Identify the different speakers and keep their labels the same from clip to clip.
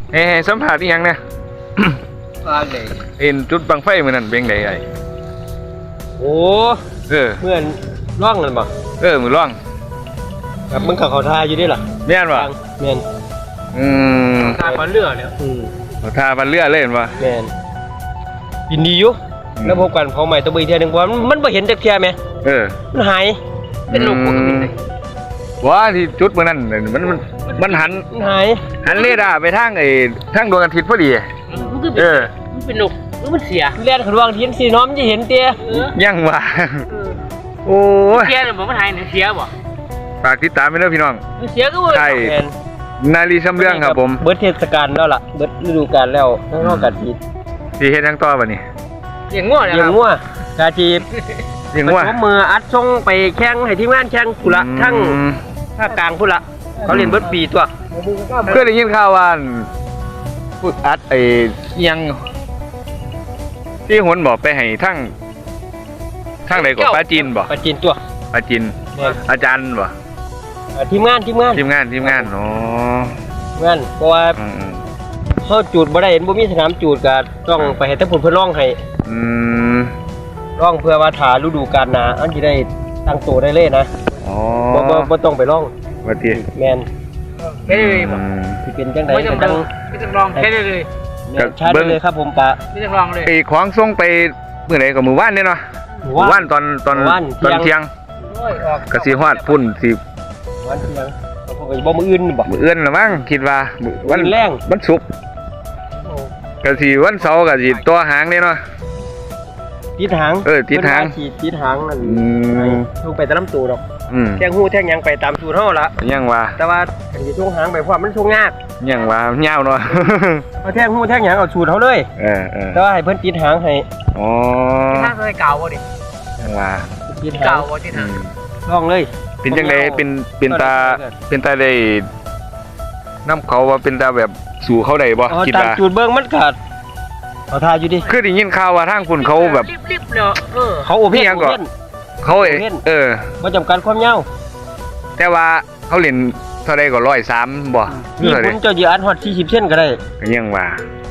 Speaker 1: เฮ้สัมผัสอีหยังเนี่ย
Speaker 2: ว่าเลย
Speaker 1: เห็นจุดบังไฟมือนั่นเป็นไงไอ้
Speaker 2: โอ้
Speaker 1: เ
Speaker 2: เหมือนร่องนั่นบ่
Speaker 1: มือร่อง
Speaker 2: แบบมึงเขาทาอยู่ด้วยล่ะ
Speaker 1: แม่นวะ
Speaker 2: แม่น
Speaker 3: ทาบันเรือเนี่ย
Speaker 1: เขาทาบันเลือเล่นวะ
Speaker 2: แม่นยินดีอยู่แล้วพบกันเผาใหม่ตัวอีกเทียนึงว่ามันบ่เห็นจักเทียแม่มันหาย
Speaker 3: เป็นลูกปกติเลย
Speaker 1: ว่าที่จุดมือนั่นมันหัน
Speaker 2: มันหาย
Speaker 1: เรดาร์ไปทางทางดวงอาทิตย์พอดี
Speaker 3: มันคือมันเป็นลูกมันเสีย
Speaker 2: เลียนขนวางเทียนสีน้อมจะเห็นเตี้ย
Speaker 1: ยังวะโอ้ย
Speaker 3: เสียเนี่ยมันหายเนี่ยเสียบ่
Speaker 1: ฝากติดตามไปด้วยพี่น้อง
Speaker 3: มันเสียก็ว่า
Speaker 1: ใช่นาลีซ้ำเรื่องครับผม
Speaker 2: เบิดเทศกาลแล้วล่ะเบิดฤดูกาลแล้วทั้งนอกกาจีบ
Speaker 1: สีเฮ็ดทั้งต่อป่ะนี่
Speaker 3: อย่างง่วงเนี่ย
Speaker 2: ยังงัวกาจีบ
Speaker 1: ยังว่า
Speaker 2: ผมมืออัดส่งไปแข่งให้ทีมงานแข่งกุละทั้งภาคกลางพุ่นละเขาเล่นเบิดปีตัว
Speaker 1: เพื่อได้ยินข่าวว่าพูดอัดยังที่หนบอกไปให้ทั้งไหนก็ป้าจีนบอก
Speaker 2: ปาจีนตัว
Speaker 1: ป้าจีนอาจารย์บอก
Speaker 2: ทีมงาน
Speaker 1: ทีมงานอ๋อ
Speaker 2: เพราะว่าเขาจูดบ่ได้เห็นบ่มีสนามจูดก็ต้องไปให้ทั้งผลเพื่อร้องให้ร้องเพื่อว่าถาฤดูกาลหนาอันที่ได้ตั้งตัวได้เลยนะ
Speaker 1: อ๋อ
Speaker 2: บ่ต้องไปร้อง
Speaker 1: ว่าที่
Speaker 2: แมน
Speaker 3: แค่เลยบ่
Speaker 2: ที่เป็นจังใด
Speaker 3: ไม่
Speaker 2: ก็
Speaker 3: ต้
Speaker 2: จั
Speaker 3: อง งไม่ต้องลองแค่เลย
Speaker 2: ชาร์จเลยครับผมปะ
Speaker 3: ไม่ต้องลองเลย
Speaker 1: ไอ้ของส่งไปเมื่อไหร่ก็มือว่านเนี่ยเนาะว่านตอนเที่ยงกระสีฮอดพุ่นสิ
Speaker 2: วันเที่ยงเขาก็บ่มื้ออื่นบ่
Speaker 1: มือเอื้อนละมั้งคิดว่าวัน
Speaker 2: แรง
Speaker 1: วันศุกร์กระสีวันเสาร์กระสีตัวหางเนี่ยเนาะ
Speaker 2: ติดหาง
Speaker 1: ติดหาง
Speaker 2: ติดหางนั่นลงไปตามลำตัวดอก แทงหูแทงหยังไปตามสูตรเฮาละ
Speaker 1: ยังว่า
Speaker 2: แต่ว่าอันที่ช่วงหางไปเพราะมันช่วงยาก
Speaker 1: ยังว่าเงาเนาะ
Speaker 2: เอาแทงหูแทงหยังเอาสูตรเฮาเลยแต่ว่าให้เพิ่นติดหางให้
Speaker 1: อ๋อ
Speaker 3: ถ้าเคยเก่าบ่ดิ
Speaker 1: ยังว่า
Speaker 2: ติดหา
Speaker 3: เก่าง บ่ที่ทาง
Speaker 2: ลองเลย
Speaker 1: เป็นจังไดเป็นตาได้น้ำเขาว่าเป็นตาแบบสู่เขาได้บ่คิด
Speaker 2: ตาม
Speaker 1: ว่า
Speaker 2: สูตรเบิ่งมันขาดเอาทาอยู่ดิ
Speaker 1: คือได้ยินข่าวว่าทางคุณเขาแบบ
Speaker 3: รีบๆเนาะ
Speaker 2: เขาโอเพ่น
Speaker 1: เขา
Speaker 2: บ่จำกัดความยาว
Speaker 1: แต่ว่าเขาเล่นเท่าใดก็103บ่
Speaker 2: นี่
Speaker 1: เท่าใด
Speaker 2: ผมจะยือัดฮอด40เส้นก็ได้
Speaker 1: ก็ยังว่า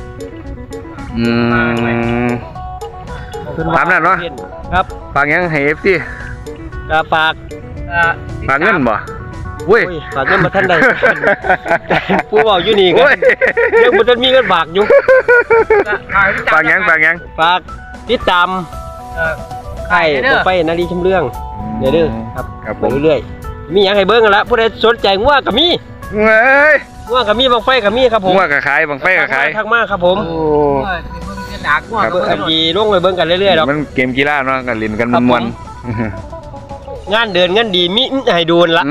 Speaker 1: ตามนั้นเนาะ
Speaker 2: ครับ
Speaker 1: ฝากยังให้ FC
Speaker 2: ก็ฝาก
Speaker 1: ฝากเงินบ่เว้ย
Speaker 2: ฝากเงินมาท่านใดผู้บอกอยู่นี่กันยังบ่ทันมีเงินฝากอยู่
Speaker 1: ฝากยัง
Speaker 2: ฝากติดตามไข่ไปนาลีชมเรื่องเด้อครับไปเรื่อยๆมีหยังให้เบิ่งกันละผู้ใดสนใจงัวก็มี
Speaker 1: เฮ้ย
Speaker 2: งัวก็มีบังไฟก็มีครับผม
Speaker 1: งัวก็ขายบังไฟก็ขาย
Speaker 2: ทักมาครับผม
Speaker 1: โอ้
Speaker 3: ดักว่า
Speaker 2: อันนี้ลงไปเบิ่งกันเรื่อยๆดอก
Speaker 1: มันเกมกีฬาเนาะกันเล่นกันม่วน
Speaker 2: งานเดินงานดีมีให้ดูนละ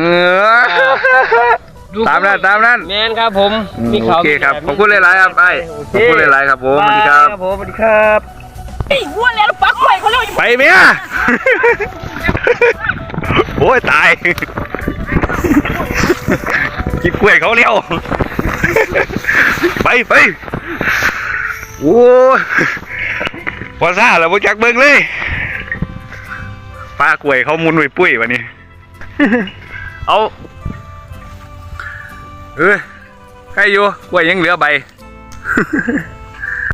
Speaker 1: ตามนั้น
Speaker 2: แม่นครับผม
Speaker 1: โอเคครับขอบคุณหลายๆครับไอ้ขอบคุณหลายๆครับผมสวัสดีครับ
Speaker 2: ผมสวัสดีครับไอ้วัวแล้วปักไว้เขาเลย
Speaker 1: ไปเมียโอ้ยตายกินกล้วยเขาเร็วไปโอ้พอซ่าแล้วพวกจักเบิ้งเลยปลากล้วยเขามุนไว้ปุ้ยวันนี้เอาใครอยู่กล้วยยังเหลือใบ